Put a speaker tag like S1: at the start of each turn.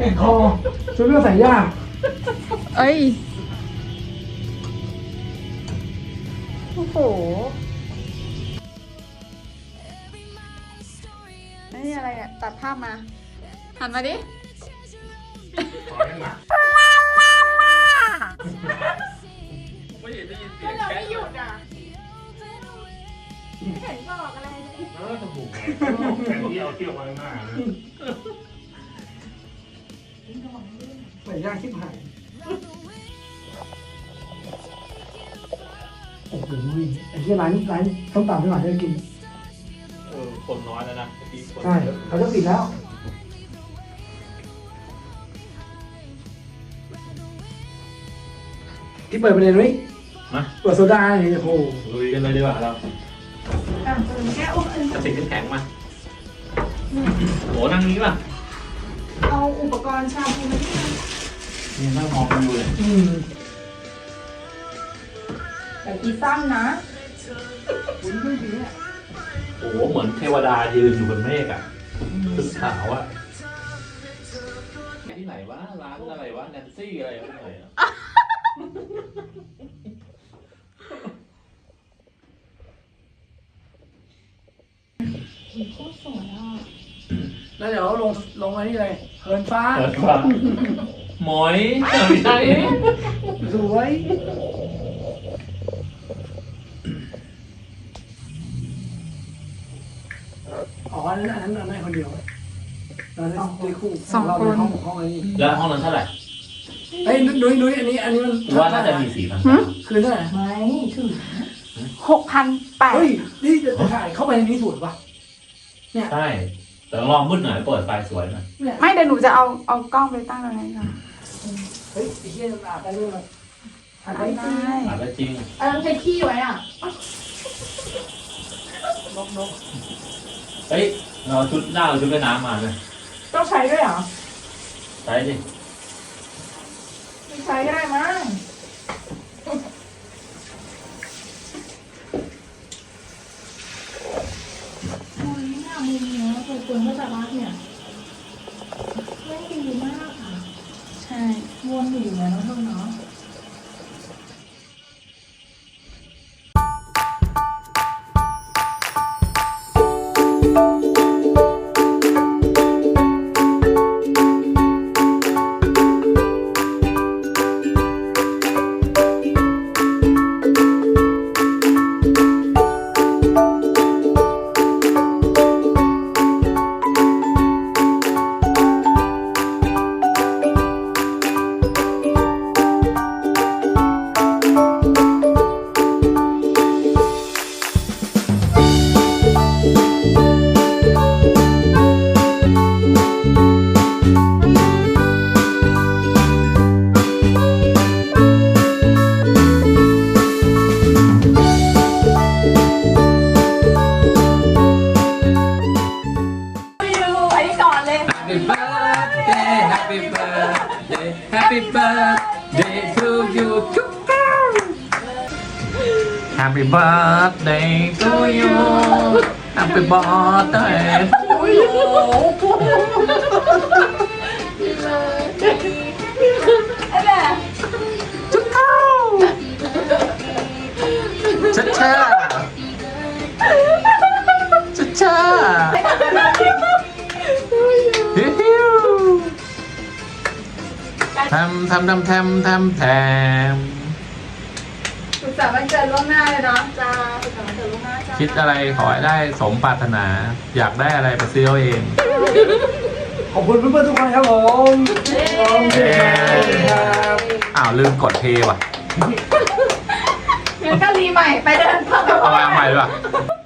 S1: แอนคอชุดเรื่องใส่ยาก
S2: เอ้ย โอ้โหนี่อะไรอ่ะ ตัดภาพมา หันมาดิ
S3: ไม่เห็นได้ยินเสียง
S2: เรา
S3: แค่
S2: ไม่หยุดอ่ะไม่เห็นบอกอะไรเลย
S3: จมูกแค่ที่เอาเที่ยวมาหน้านะ
S1: ใส่ยากชิบหายโอ้โหไอ้ที่ร้านต้มตำไม่หวานได้กิน
S3: คนน้อยแล้วนะที่คน
S1: ใช่เขาจะปิดแล้วที่เปิดประเด็นไว้
S3: มา
S1: เปิดโซดาเนี่ยโอ้โห
S3: ลุยกันเลยดีกว่าเรา
S2: แค่อุ้ม
S3: กระติกน้ำแข็งมาโหนั่งนี้ป่ะ
S2: เอาอุปกรณ์ชาบูมาที่
S3: นี่นั่งมองกันอยู่เลย
S2: แต่กีสั้นนะ
S1: คุณไม่ดีเนี่ย
S3: โอ้โหเหมือนเทวดายืนอยู่บนเมฆอ่ะชุดขาวอ่ะที่ไหนวะร้านอะไรวะแนนซี่อะไรวะที่ไหนอ่ะ
S2: โคตรสวยอ่ะ
S1: แล้วเดี๋ยวลงมานี่เลยเหินฟ้า
S3: เปิดกว่าหมอยไม่ใช่
S1: สวยอ๋ออันนั้นไม่คนเดียวเราได้คู่เราในห้องนี้
S3: แล้วห้องนั้นเท่าไหร่
S1: เฮ้ยนุ้ยอันนี้มัน
S3: ว่าน่าจะมี4,000
S1: คืนเท่าไหร่
S2: ไม่ถึง6,800
S1: เฮ้ยนี่จะถ่ายเข้าไปในนี้สวยปะเนี่ย
S3: ใช่แต่ลองมืดหน่อยเปิดไฟสวยหน่อย
S2: ไม่เดี๋ยวหนูจะเอากล้องไปตั้งตรงนั้นค่ะ
S1: เฮ้ยไอ้เหี้ยอาบได้ด้วยมั้ยอาบได้
S2: ได้
S3: อาจจะจริง
S2: อันนั้นใช้ขี้ไว้อ่ะ
S1: นก
S3: เฮ้ยเราชุดหน้าเราชุดว่ายน้ำมาเลย
S2: ต้องใช้ด้วยเหรอ
S3: ใช่ดิ
S2: ไม่ใช้ก็ได้มั้ง โอ้ยเนี่ยมุมเนี้ยคนก็จะรักเนี่ยไม่ดีมากค่ะ ใช่วนอยู่แล้วเท่าเนาะ
S3: Happy birthday Happy birthday Happy birthday to you Happy birthday to you Happy birthday to you จุ๊บเข้าชัดช่าชัดช่าฮิวทำ
S2: สุขสันต์วันเกิดล่วงหน้าเลยเนาะจ้าสุขสันต์วันเกิดล่วงหน้าจ้า
S3: คิดอะไรขอให้ได้สมปรารถนา อยากได้อะไรไปซื้อเอาเอง
S1: ขอบคุณเพื่อนๆทุกคนครับผมขอบคุณครับ
S3: อ้าวลืมกดเพย์ว่ะ
S2: งั้นก็รีใหม่ไปเดินต่อ
S3: เอาใหม่ดีกว่า